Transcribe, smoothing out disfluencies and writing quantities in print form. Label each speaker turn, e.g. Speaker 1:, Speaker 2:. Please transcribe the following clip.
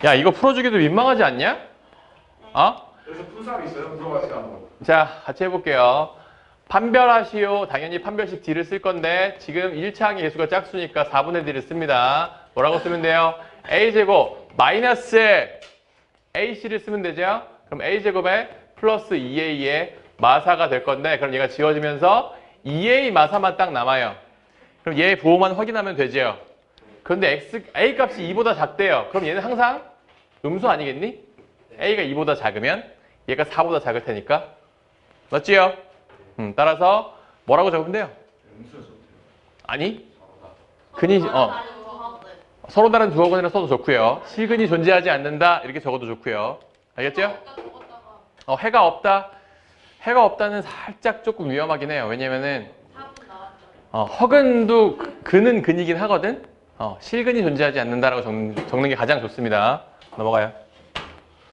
Speaker 1: 야, 이거 풀어주기도 민망하지 않냐? 어?
Speaker 2: 그래서 푼 사람 있어요? 물어봐주세요 한번.
Speaker 1: 자, 같이 해볼게요. 판별하시오. 당연히 판별식 D를 쓸 건데 지금 1차 항의 개수가 짝수니까 4분의 D를 씁니다. 뭐라고 쓰면 돼요? A제곱 마이너스 AC를 쓰면 되죠? 그럼 A제곱에 플러스 2A의 마사가 될 건데 그럼 얘가 지워지면서 2A 마사만 딱 남아요. 그럼 얘의 부호만 확인하면 되죠? 그런데 A 값이 2보다 작대요. 그럼 얘는 항상 음수 아니겠니? A가 2보다 작으면 얘가 4보다 작을 테니까. 맞지요? 따라서 뭐라고 적으면 돼요? 아니? 근이 서로 다른 두어근이라 써도 좋고요. 실근이 존재하지 않는다 이렇게 적어도 좋고요. 알겠죠? 해가 없다. 해가 없다는 살짝 조금 위험하긴 해요. 왜냐면은 허근도 근은 근이긴 하거든. 실근이 존재하지 않는다라고 적는 게 가장 좋습니다. 넘어가요.